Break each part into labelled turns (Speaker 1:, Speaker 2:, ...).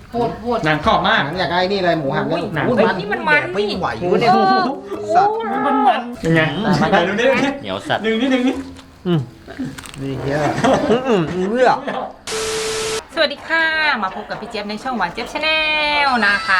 Speaker 1: โหด
Speaker 2: หนังกรอบมาก
Speaker 3: อยากได้นี่เลยหมูหันเลย
Speaker 2: หนัง
Speaker 1: นี่มันมัน
Speaker 3: ไม่
Speaker 1: นี่
Speaker 3: ไหวเนี่ยสัตว์
Speaker 2: มันเป็นไงไหนดูนี่
Speaker 4: เหนียวสัตว์
Speaker 2: ดึงนี่
Speaker 3: นี่เฮียเลือก
Speaker 1: สวัสดีค่ะมาพบกับพี่เจี๊ยบในช่องหวานเจี๊ยบชาแนลนะคะ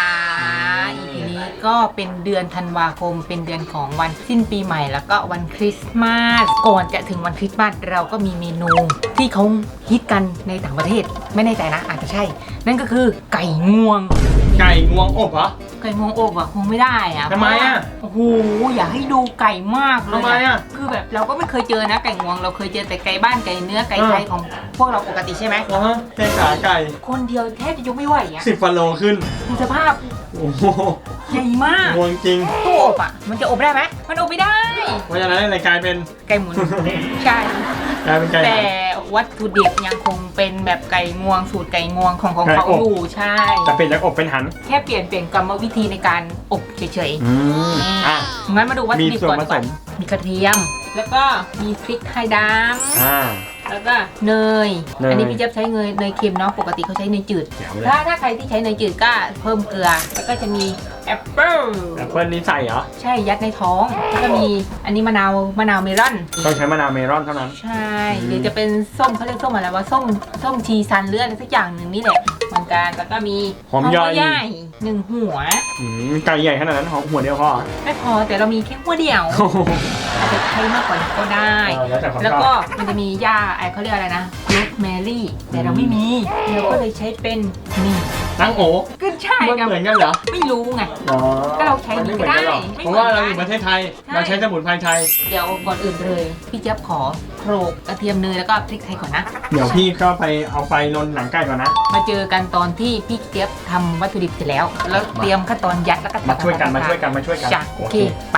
Speaker 1: EP นี้ก็เป็นเดือนธันวาคมเป็นเดือนของวันสิ้นปีใหม่แล้วก็วันคริสต์มาสก่อนจะถึงวันคริสต์มาสเราก็มีเมนูที่เขาฮิตกันในต่างประเทศไม่แน่ใจนะอาจจะใช่ นั่นก็คือไก่งวง
Speaker 2: ไก่งวงอบเหรอ
Speaker 1: ไก่งวงอบอะคงไม่ได้อะ
Speaker 2: ทำไมอะ
Speaker 1: โอ้โหอยากให้ดูไก่มากเลย
Speaker 2: ทำไมอะ
Speaker 1: คือแบบเราก็ไม่เคยเจอนะไก่งวงเราเคยเจอแต่ไก่บ้านไก่เนื้อไก่ไทยของพวกเราปกติใช่ไหม
Speaker 2: แค่ขาไก่
Speaker 1: คนเดียวแทบจะยกไม่ไหวอะ
Speaker 2: 10 ฟันโลขึ้น
Speaker 1: ดูสภาพ
Speaker 2: โอ้โห
Speaker 1: ใหญ่มาก
Speaker 2: งวงจริง
Speaker 1: ตู้อบอ่ะมันจะอบได้ไหมมันอบไม่ได้
Speaker 2: เพราะฉะนั้นเลยกลายเป็น
Speaker 1: ไก่หมุน ใช่
Speaker 2: กลายเป็นไก่
Speaker 1: แต่วัตถุดิบยังคงเป็นแบบไก่งวงสูตรไก่งวงของ
Speaker 2: ไก่
Speaker 1: เขา
Speaker 2: อบ
Speaker 1: อยู่ใช่
Speaker 2: จะเป็นจากอบเป็นหัน
Speaker 1: แค่เปลี่ยนกรรมวิธีในการอบเฉย
Speaker 2: อ่ะ
Speaker 1: ๆงั้นมาดูวัตถุดิบก่อน
Speaker 2: มีส่วนผสม
Speaker 1: มีกระเทียม แล้วก็มีพริกไทยด
Speaker 2: อ่า
Speaker 1: ำแล้วก็เนย
Speaker 2: เนย
Speaker 1: อันนี้พี่เจี๊ยบใช้เนยเค็มเนาะปกติเขาใช้เนยจืด
Speaker 2: เดี๋ยวเลย
Speaker 1: ถ้าใครที่ใช้เนยจืดก็เพิ่มเกลือ แล้วก็จะมีแอปเปิ้ล
Speaker 2: แอปเปิ้ลนี่ใส่เหรอ
Speaker 1: ใช่ยัดในท้องแล้วก็มีอันนี้มะนาวเมลอน
Speaker 2: ต้องใช้มะนาวเมลอนเท่านั้น
Speaker 1: ใช่หรือจะเป็นส้มเขาเรียกส้มอะไรวะส้มชีซันเลือดอะไรสักอย่างหนึ่งนี่แหละเหมือนกันแล้วก็มี
Speaker 2: หอมใหญ่
Speaker 1: ใหญ่หนึ่งหัว
Speaker 2: ไก่ใหญ่ขนาดนั้นหอมหัวเดียวพอ
Speaker 1: ไม่พอแต่เรามีแค่หัวเดียว
Speaker 2: โอ้โห
Speaker 1: อาจจะใช้มากกว่านี้ก็ได้
Speaker 2: แล้วแต่ความชอบ
Speaker 1: แล้วก็มันจะมีหญ้าไอเขาเรียกอะไรนะโรสแมรี่แต่เราไม่มีเราก็เลยใช้เป็นนี่
Speaker 2: ตั้งโอ
Speaker 1: ก็ใช่
Speaker 2: มัน
Speaker 1: กับ
Speaker 2: เหมือนกันเหรอ
Speaker 1: ไม่รู้ไง
Speaker 2: อ๋อ
Speaker 1: ก็เราใช้
Speaker 2: มันไม่เหมือนกันหรอก
Speaker 1: ไม่
Speaker 2: เพ
Speaker 1: เหมือนกัน
Speaker 2: ราะว่าเราอยู่ประเทศไทย
Speaker 1: ใช่
Speaker 2: เราใช้สมุนไพรไทย
Speaker 1: เดี๋ยวก่อนอื่นเลยพี่เจี๊ยบขอโขลกกระเทียมเนยแล้วก็พริกไทยก่อนนะ
Speaker 2: เดี๋ยวพี่ก็ไปเอาไฟลนหนังไก่ก่อนนะ
Speaker 1: มาเจอกันตอนที่พี่เจี๊ยบทำวัตถุดิบเสร็จแล้ว แล้วเตรียมขั้นตอนยัดแล้วก็
Speaker 2: มาช่วยกัน
Speaker 1: จ้ะโอเคไป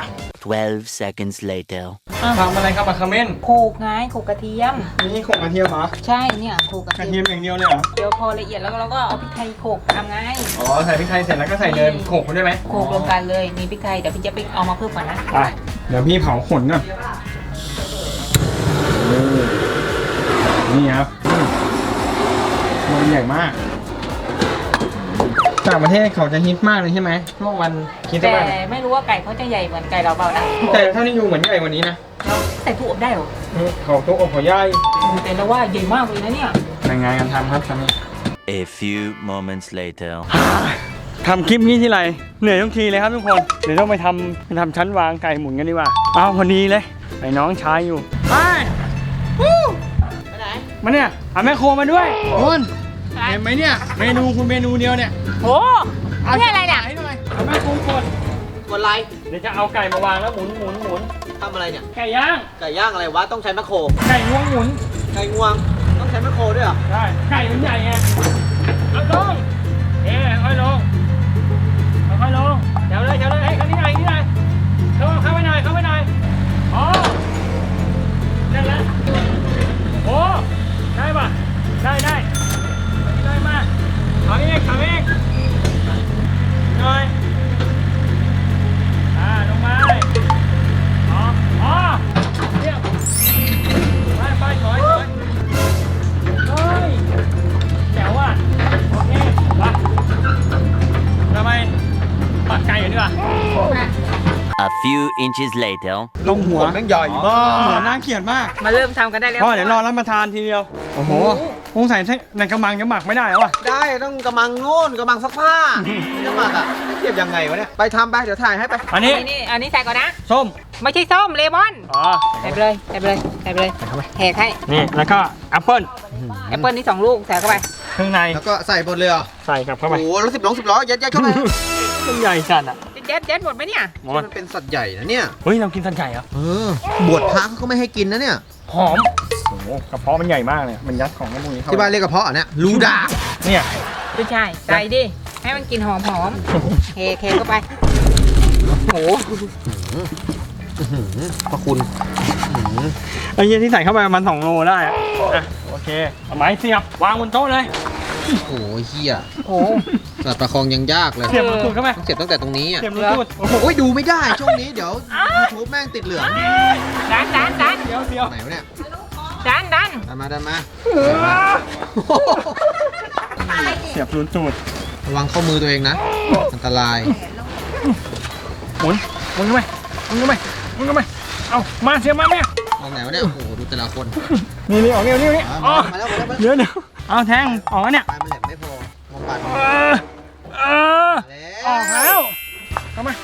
Speaker 4: 12 seconds later
Speaker 2: ทำอะไรครับอะคาเมน
Speaker 1: โขลกไงโขลกกระเทียม
Speaker 2: นี่โขลกกระเทียมเหรอ
Speaker 1: ใช่เนี่ยโขลกกระ
Speaker 2: กระ
Speaker 1: เที
Speaker 2: เที
Speaker 1: ย
Speaker 2: ย
Speaker 1: ม
Speaker 2: มอย่างเดียวเลยเหรอ
Speaker 1: เดี๋ยวพอละเอียดแล้วเราก็เอาพริกไทยโขลกทำไง
Speaker 2: อ๋อใส่พริกไทยเสร็จแล้วก็ใส่เนยโขลกมันด้วยไหม
Speaker 1: โขลกรวมกันเลยมีพริกไทยเดี๋ยวพี่เจี๊ยบไปเอามาเพิ่มก่อนนะ
Speaker 2: ไปเดี๋ยวพี่เผาขนก่อนนี่ครับมันใหญ่มากต่างประเทศเขาจะฮิตมากเลยใช่ไหมช่วงวันคริสต์
Speaker 1: แต่
Speaker 2: มาส
Speaker 1: ไม่รู้ว่าไก่เขาจะใหญ่เหมือนไก่เราเปล่านะ
Speaker 2: แต่เท่านี้อยู่เหมือนใหญ่กว่านี้นะ
Speaker 1: เราใส่ตู้อบได้เหรอ
Speaker 2: เขาตัวอบเขาใหญ่
Speaker 1: แต่เราว่าใหญ่มากเลยนะเนี่ย
Speaker 2: ยังไงกันทำครับทำ
Speaker 4: A few moments later
Speaker 2: ทำคลิปนี้ที่ไรเหนื่อยทุกทีเลยครับทุกคนเดี๋ยวต้องไปทำชั้นวางไก่หมุนกันดีกว่าเอาพอดีเลยไอ้น้องชายอยู่ไปไหนมาเนี่ยเอาแม่โคมาด้วยคุณเห็นไหมเนี่ยเมนูคุณเมนูเดียวเนี่ย
Speaker 1: โอ้นี่อะไรเนี่ย
Speaker 2: ให้หน่อยเอาแม่โคกด
Speaker 3: กดไลค์
Speaker 2: เดี๋ยวจะเอาไก่มาวางแล้วหมุน
Speaker 3: ทำอะไรเนี่ย
Speaker 2: ไก่ย่าง
Speaker 3: ไก่ย่างอะไรวะต้องใช้แมคโคร
Speaker 2: ไก่งวงหมุน
Speaker 3: ไก่งวงต้องใช้แมคโครด้วยเหรอ
Speaker 2: ได้ไก่มันใหญ่ไงเอาลงค่อยลงค่อยลงเดี๋ยวเลยให้เขานี่หน่อยเข้าไปหน่อยอ๋อได้แล้วโอ้ได้ป่ะได้มากเอาเองหน่อยลงมาอ๋อเรียบไปถอยเฮ้ยแจ๋วอ่ะโอเคไปทำไมปักไก่กันดีกว่า
Speaker 4: A few inches later
Speaker 2: ลงหัว
Speaker 3: แม่งใหญ่มาก
Speaker 2: หัวน่าเกลียดมาก
Speaker 1: มาเริ่มทำกันได้แล้ว
Speaker 2: พ่อเดี๋ยวรอรับประทานทีเดียวโอ้โหคงใส่ในกระมังจะหมักไม่ได้แล้วอ่ะ
Speaker 3: ได้ต้องกระมังโน่นกระมังซักผ้าจะหมักอ่ะเทียบยังไงวะเนี่ยไปทำไปเดี๋ยวถ่ายให้ไป
Speaker 2: อันนี้
Speaker 1: อันนี้ใส่ก่อนนะ
Speaker 2: ส้ม
Speaker 1: ไม่ใช่ส้มเลมอน
Speaker 2: อ๋อ
Speaker 1: ใส่ไปเลยแหกให้
Speaker 2: นี่แล้วก็แอปเปิ้ล
Speaker 1: แอปเปิ้ลนี่2 ลูกใส่เข้าไป
Speaker 2: เครื่องใน
Speaker 3: แล้วก็ใส่บนเลยเหรอ
Speaker 2: ใส่กลับเข้าไป
Speaker 3: โอ้โหแล้ว10 ล้อยัดเข้าไป
Speaker 2: มันใหญ่จัดอ่ะ
Speaker 1: ยัดหมดไหมเนี่ย
Speaker 2: หมด
Speaker 3: มันเป็นสัตว์ใหญ่นะเนี่ย
Speaker 2: เฮ้ยเรากินสันไก่เหรอ
Speaker 3: บวชพระเขาก็ไม่ให้กินนะเนี่ย
Speaker 2: หอมโอ้โหกระเพาะมันใหญ่มากเลยมันยัดของกันพวกนี้เข้า
Speaker 3: ที่บ้านเรียกกระเพาะอ่ะเนี่ยรูดา
Speaker 2: เนี่ย
Speaker 1: ไม่ใช่ใส่ดิให้มันกินหอมเทเข้าไปโอ้โห
Speaker 3: พระคุณ
Speaker 2: ไอ้เหี้ยที่ใส่เข้าไปประมาณ2 โลได้อะอ่ะโอเคเอาไม้เสียบวางบนโต๊ะเลย
Speaker 3: โอ้โหเฮีย
Speaker 1: โอ้โห
Speaker 3: สัตว์ประคองยังยากเลย
Speaker 2: เสียบรูตูดเข้าไป
Speaker 3: ต้องเสียบตั้งแต่ตรงนี้อ่ะ
Speaker 2: เสียบรูตูดโอ้โห
Speaker 3: โอ้ยดูไม่ได้ช่วงนี้เดี๋ยว YouTube แม่งติดเหลือง
Speaker 1: ดัน
Speaker 2: เดี๋ยว
Speaker 3: ไหนวะเนี่ย
Speaker 1: ดัน
Speaker 3: ดันมา
Speaker 2: เสียบรูตูด
Speaker 3: ระวังเข้ามือตัวเองนะ อันตราย
Speaker 2: หมุนเข้าไปหมุนเข้าไปหมุนเข้าไปเอามาเสียมาแม่
Speaker 3: ออกไหนวะเนี่ย โอ้โห ดูแต่ละคน
Speaker 2: นี่ออกนี่ออก
Speaker 3: มาแล้วมาแล้ว
Speaker 2: เดี๋ยวเอาแทงออกแล้วเนี่ย
Speaker 3: ปลายมันแหลมไม่พอมองปลายมัน
Speaker 2: ออกแล้วเข้ามา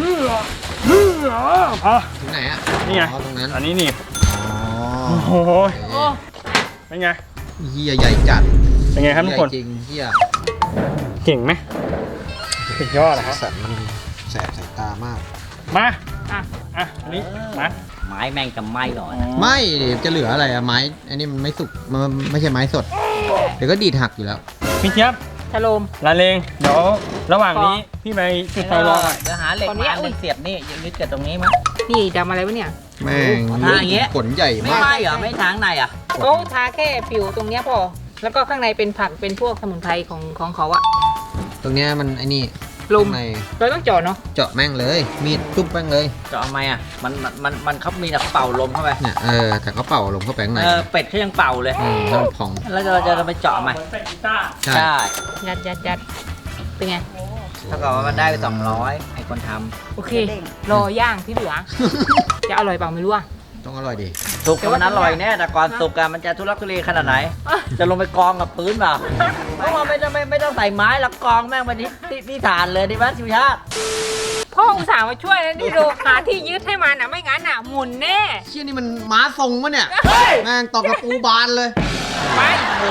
Speaker 2: พอ
Speaker 3: ถึงไหนอ่ะ
Speaker 2: นี่ไง
Speaker 3: อ๋อตรงนั้น
Speaker 2: อันนี้นี่
Speaker 3: อ๋อ
Speaker 2: โอ้โห
Speaker 3: โอ้
Speaker 2: เป็นไง
Speaker 3: เฮียใหญ่จัด
Speaker 2: เป็นไงครับทุกคน
Speaker 3: ใหญ่จริงเฮีย
Speaker 2: เก่งไหมสุดยอดนะครับ
Speaker 3: สัตว์มันแสบสายตามาก
Speaker 2: มา
Speaker 1: อ่ะ
Speaker 2: อันนี้มา
Speaker 5: ไม้แม่งกับไม้หรอ
Speaker 3: ไม่ดิจะเหลืออะไรอะไม้ อันนี้มันไม่สุก มันไม่ใช่ไม้สด เดี๋ยวก็ดีดหักอยู่แล้ว
Speaker 2: พี่เจี๊ยบ
Speaker 1: ชะโลม
Speaker 2: ลาเลงเดี๋ยวระหว่างนี้พี่ไปจุดไฟรอก่อน
Speaker 5: เดี๋ยวหาเหล็ก
Speaker 1: ตอนนี้
Speaker 5: มาหนึ่งเสียบนี่ยึดกับตรงนี้มั้ย
Speaker 1: นี่ดำอะไรวะเนี่ย
Speaker 3: แม่ง
Speaker 5: ทาอย่างเงี้ย
Speaker 3: ขนใหญ่
Speaker 5: ไม่
Speaker 3: มาก
Speaker 5: ไหม้เหรอ ไม่ทางในอ่ะ
Speaker 1: โอ้ทาแค่ผิวตรงเนี้ยพอ แล้วก็ข้างในเป็นผักเป็นพวกสมุนไพรของเขาอะ
Speaker 3: ตรงเนี้ยมันไอ้นี่
Speaker 1: ลม
Speaker 3: ข้างใน
Speaker 1: เราต้องเจาะเนาะ
Speaker 3: เจาะแม่งเลย มีดทุบแม่งเลย
Speaker 5: จะเอาไหมอ่ะ มันเขามีแต่เป่าลมเข้าไป
Speaker 3: เนี่ยแต่เขาเป่าลมเข้าไปข้างใน
Speaker 5: เป็ดเขายังเป่าเลย
Speaker 3: แล้วมันพอง
Speaker 5: แล้วเราจะไปเจาะไหม
Speaker 2: เหมือนเป็นกีตาร์
Speaker 3: ใช่
Speaker 5: ใช่
Speaker 1: ยัดเป็นไง
Speaker 5: ถ้าเกิดว่ามันได้ไป200ไอ้คนท
Speaker 1: โอเค รอย่างที่เหลือ จะอร่อยเปล่าไม่รู้อะ
Speaker 3: ต้องอร่อยดี
Speaker 5: ำสุกมันอร่อยแน่แต่ก่อนสุกอะมันจะทุลักทุเลขนาดไหน จะลงไปกองกับปืนเปล่าเพราะว่าไม่ต้องใส่ไม้แล้วกองแม่งไปที่ฐานเลยที่บ้านชิวชาติ
Speaker 1: พ่ออุตส่าห์มาช่วยแล้วนี่ดูหาที่ยึดให้มันอะไม่งั้นอะหมุนแน่
Speaker 3: เชี่ยนี่มันม้าทรงมะเนี่ย แม่งตอกกระปูบานเลย
Speaker 1: ไปโอ้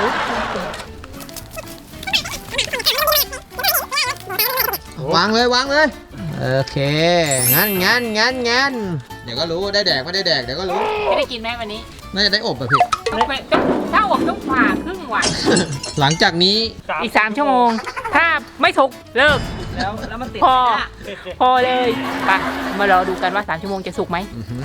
Speaker 3: วางเลย โอเค งั้น เดี๋ยวก็รู้ได้แดกไม่ได้แดกเดี๋ยวก็รู้
Speaker 1: ไม่ได้กินไหมวันนี้
Speaker 3: น่าจะได้อบอะพี่
Speaker 1: ต้องไปถ้าอบต้องผ่าครึ่งวัน
Speaker 3: หลังจากนี้
Speaker 1: อีก3 ชั่วโมง ถ้าไม่สุกเลิก
Speaker 5: แล้วมันติด
Speaker 1: พอ
Speaker 5: ไหมเนี่ย
Speaker 1: พอเลยไปมารอดูกันว่า3 ชั่วโมงจะสุกไหม
Speaker 3: อื้อหือ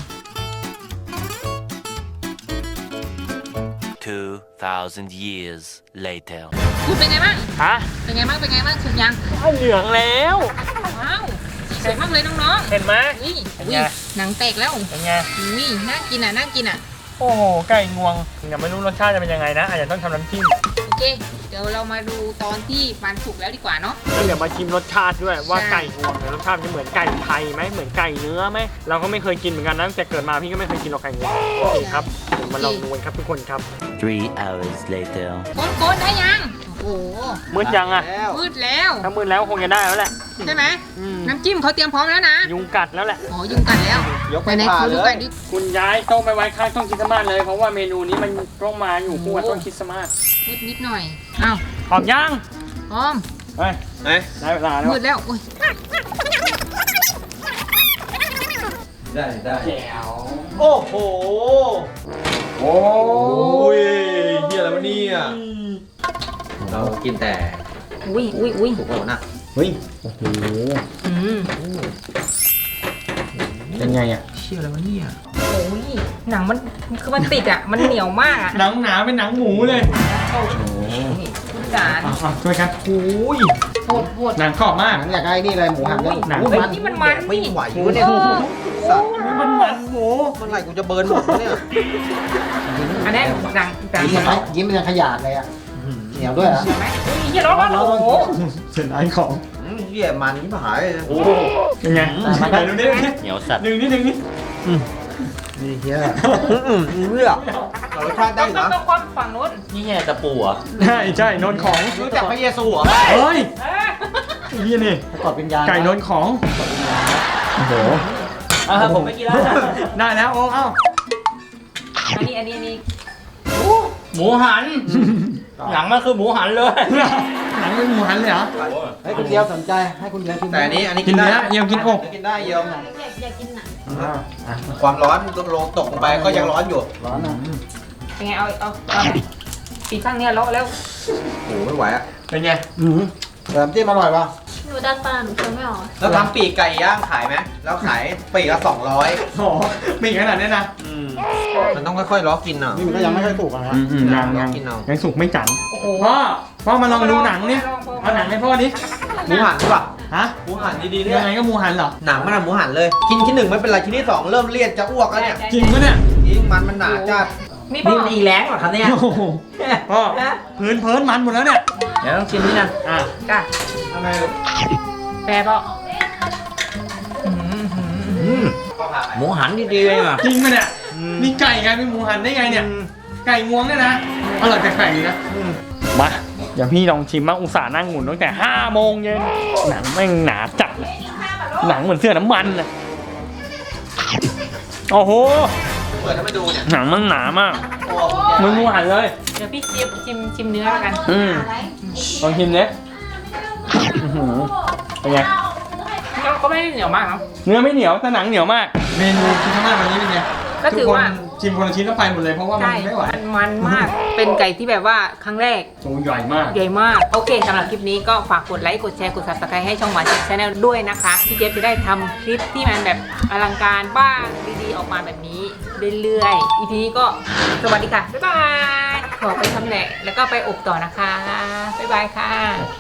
Speaker 4: 2,000 years later.
Speaker 1: คุณเป็นไงบ้าง
Speaker 2: ฮะ
Speaker 1: เป็นไงบ้างสุกยัง
Speaker 2: เหลืองแล้ว
Speaker 1: ว้าวสวยมากเลยน้อง
Speaker 2: เห็นไหม
Speaker 1: ๆอุ้ย
Speaker 2: เป็น
Speaker 1: อุ้
Speaker 2: ไง
Speaker 1: ยหนังแตกแล้ว
Speaker 2: เป็นไง
Speaker 1: อุ้ยน่ากินอ่ะ
Speaker 2: โอ้โห ไก่งวงยังไม่รู้รสชาติจะเป็นยังไงนะ อาจจะต้องทำน้ำจิ้ม
Speaker 1: โอเค เดี๋ยวเรามาดูตอนที่มันสุกแล้วดีกว่าเนาะ
Speaker 2: แล้วเดี๋ยวมาชิมรสชาติด้วยว่า
Speaker 1: ใช่
Speaker 2: ไก่งวงเนี่ยรสชาติมันเหมือนไก่ไทยไหมเหมือนไก่เนื้อไหมเราก็ไม่เคยกินเหมือนกันนะตั้งแต่เกิดมาพี่ก็ไม่เคยกินหรอกไก่งวงโอเคครับเดี๋ยวมาลองดูกันครับทุกคนครับ
Speaker 4: 3 hours later.
Speaker 1: โกนได้ยัง โอ้โห
Speaker 2: มืดยังอ่ะ
Speaker 1: มืดแล้ว
Speaker 2: ถ้ามืดแล้วคงจะได้แล้วแหละ
Speaker 1: ใช่ไหม
Speaker 2: อืม
Speaker 1: น้ำจิ้มเขาเตรียมพร้อมแล้วนะ
Speaker 2: ยุงกัดแล้วแหละ
Speaker 1: อ๋อยุงกัดแล้ว
Speaker 3: ยกไป
Speaker 1: ไหน
Speaker 3: ผ่า
Speaker 1: ๆขอ
Speaker 3: เล
Speaker 1: ดูกั
Speaker 3: ย
Speaker 1: นดิ
Speaker 2: คุณย้ายโต๊ะไปไว้ข้างต้นคริสต์มาสเลยเพราะว่าเมนูนี้มันต้องมาอยู่คู่กับต้นคริสต์มาส
Speaker 1: มืดนิดหน่อย อ้าว
Speaker 2: หอมย่าง
Speaker 1: พร้อม
Speaker 2: ไปได้เวลาแล้ว
Speaker 1: มืดแล้วอุ้ย
Speaker 3: ได้
Speaker 2: แจ๋ว
Speaker 3: โอ้โห โอ้ยเฮียอะไรวะเนี่ยเรากินแต่
Speaker 1: อุ้ย
Speaker 3: ถูกแล้วนะ
Speaker 2: เฮ้ยโอ้โห
Speaker 1: อืม
Speaker 2: เป็นไงอ่ะ
Speaker 3: เชี่ยอะไรวะเนี่ย
Speaker 1: โอ้ยหนังมันคือมันติดอ่ะ มันเหนียวมากอ่ะ
Speaker 2: หนังหนาเป็นหนังหมูเลย
Speaker 1: นี่คุณจาน
Speaker 2: ช่วยกันโอ้ย
Speaker 1: โหด
Speaker 2: หนังกรอบมาก
Speaker 3: หนังอยากได้นี่เลยหมูหันเลย
Speaker 2: หนัง
Speaker 1: เฮ้ยนี่มันมัน
Speaker 3: ไม่
Speaker 1: นี่
Speaker 3: ไหววะเนี่ยสัตว์
Speaker 2: มันหมู
Speaker 3: เมื่อไหร่กูจะเบิร์นหมดวะเนี่ย
Speaker 1: อันนี้หนัง
Speaker 3: ยิ้มเป็นขยะเลยอ่ะเหนียวด้วยอ่ะ
Speaker 1: ใช่ไหมอุ้ยเหี้ยร้อนโอ้โห
Speaker 2: เสียดายของ
Speaker 3: เหี้ยมันนี่หายเลย
Speaker 2: โอ้เป็นไงไหนดูนี่
Speaker 5: เหนียวสัตว์
Speaker 2: ดึงนี่
Speaker 3: นี่เหี้ยเลือกรสชาติได้เหรอ
Speaker 1: ต้องคว่ำฝั่งนู้น
Speaker 5: นี่ไงตะปูเหรอ่ะ
Speaker 2: ใช่นนของ
Speaker 3: รู้จักพระเยซูเหรอ
Speaker 2: เฮ้ย
Speaker 1: เออ
Speaker 2: นี่นี่
Speaker 3: กอดวิญญาณ
Speaker 2: ไก่นนของโอ้โห
Speaker 5: ผมไม่กินแล้ว
Speaker 2: ได้แล้วโอ้เอ้า
Speaker 1: อันนี้
Speaker 5: หมูหัน หนังมันคือหมูหันเลย
Speaker 2: หนังเป็นหมูหันเลยเหรอ
Speaker 3: ให้คุณเดียวสนใจให้คุณเดียวชิมแต่อันนี้
Speaker 2: กิน
Speaker 3: กินได้
Speaker 2: เนื้อเยี่ยมกินอก
Speaker 3: กินได้เยี่ยม
Speaker 1: อยากกินหนัง
Speaker 3: ความร้อนลงตกลงไปก็ยังร้อนอยู่ร้อนนะ
Speaker 1: เป็นไงเอาปีกข้างเนี้ยแล้ว
Speaker 3: โอ้ไม่ไหวอ่ะ
Speaker 2: เป็นไง
Speaker 3: เติมจิ้มอร่อยป่ะ
Speaker 6: หนูดันปลาหนูเคี้ยวไม่ออก
Speaker 3: แล้วทำปีกไก่ย่างขายไหมแล้วขายปีกละ200
Speaker 2: โอ้มีขนาดนี้นะ
Speaker 3: มันต้องค่อยๆล้อกินอ่ะนี่มันก็ยังไม่ค่อยสุกนะ
Speaker 2: ยังสุกไม่จัน
Speaker 1: โอ้โห
Speaker 2: พ่อมาลองดูหนังนี่เอาหนังให้พ่อดิ
Speaker 3: หมูหันใช่ป่ะ
Speaker 2: ฮะ
Speaker 3: หมูหันดีๆเนี่ย
Speaker 2: ยังไงก็หมูหันเหรอ
Speaker 3: หนังมันหมูหันเลยชิ้นที่ 1ไม่เป็นไรชิ้นที่ 2เริ่มเลี่ยนจะอ้วกแล้วเนี่ย
Speaker 2: จริงปะเนี่ย
Speaker 3: ยิ่งมันหนาจัด
Speaker 1: หมี
Speaker 5: นี่
Speaker 1: ป่ะ
Speaker 5: มันอีแรงเหรอครับเนี่ย
Speaker 2: โอ้โหพ่อพื้นเพิ่นมันหมดแล้วเนี่ย
Speaker 5: เดี๋ยวต้องชิมนี่นะ
Speaker 2: อ่ะ
Speaker 1: จ้ะ
Speaker 3: ทำไม
Speaker 1: แปรป่ะ
Speaker 5: หมูหันดีๆเลยว่ะ
Speaker 2: จริงไหมเนี่ยนี่ไก่ไงเป็นหมูหันได้ไงเนี่ย ไก่งวงเนี่ยนะอร่อยแปลกๆดีนะมาเดี๋ยวพี่ลองชิมบ้างอุตส่าห์นั่งหมุนตั้งแต่5 โมงเย็นหนังแม่งหนาจัดเลยหนังเหมือนเสื้อน้ำมันเลยโอ้โห
Speaker 3: เปิดให้มาดูเนี่ย
Speaker 2: หนังมันหนามาก
Speaker 3: ตัว
Speaker 2: เหมือนหมูหันเลย
Speaker 1: เดี๋ยวพี่เจี๊ยบชิมเนื้อแล้วกัน
Speaker 2: ลองชิมเนี่ยอื้อหือเป็นไง
Speaker 1: ก็ไม่ได้เหนียวมากครับ
Speaker 2: เนื้อไม่เหนียวแต่หนังเหนียวมาก เมนูที่ข้างหน้าวันนี้เป็นไง
Speaker 1: ก็ถือว่า
Speaker 2: ชิมคนละชิ้นแล้วไปหมดเลยเพราะว่ามัน
Speaker 1: ใช่
Speaker 2: ไม่ไหว
Speaker 1: มันมาก เป็นไก่ที่แบบว่าครั้งแรก
Speaker 2: ตัวใหญ่มาก
Speaker 1: ใหญ่มาก โอเคสำหรับคลิปนี้ก็ฝากกดไลค์ กดแชร์ กด subscribe ให้ช่องหวานเจี๊ยบชาแนลด้วยนะคะ พี่เจี๊ยบจะได้ทำคลิปที่มันแบบอลังการบ้างดีๆ ออกมาแบบนี้เรื่อยๆ EP นี้ก็สวัสดีค่ะ บ๊ายบาย ขอไปทำแหละแล้วก็ไปอบต่อนะคะ บ๊ายบายค่ะ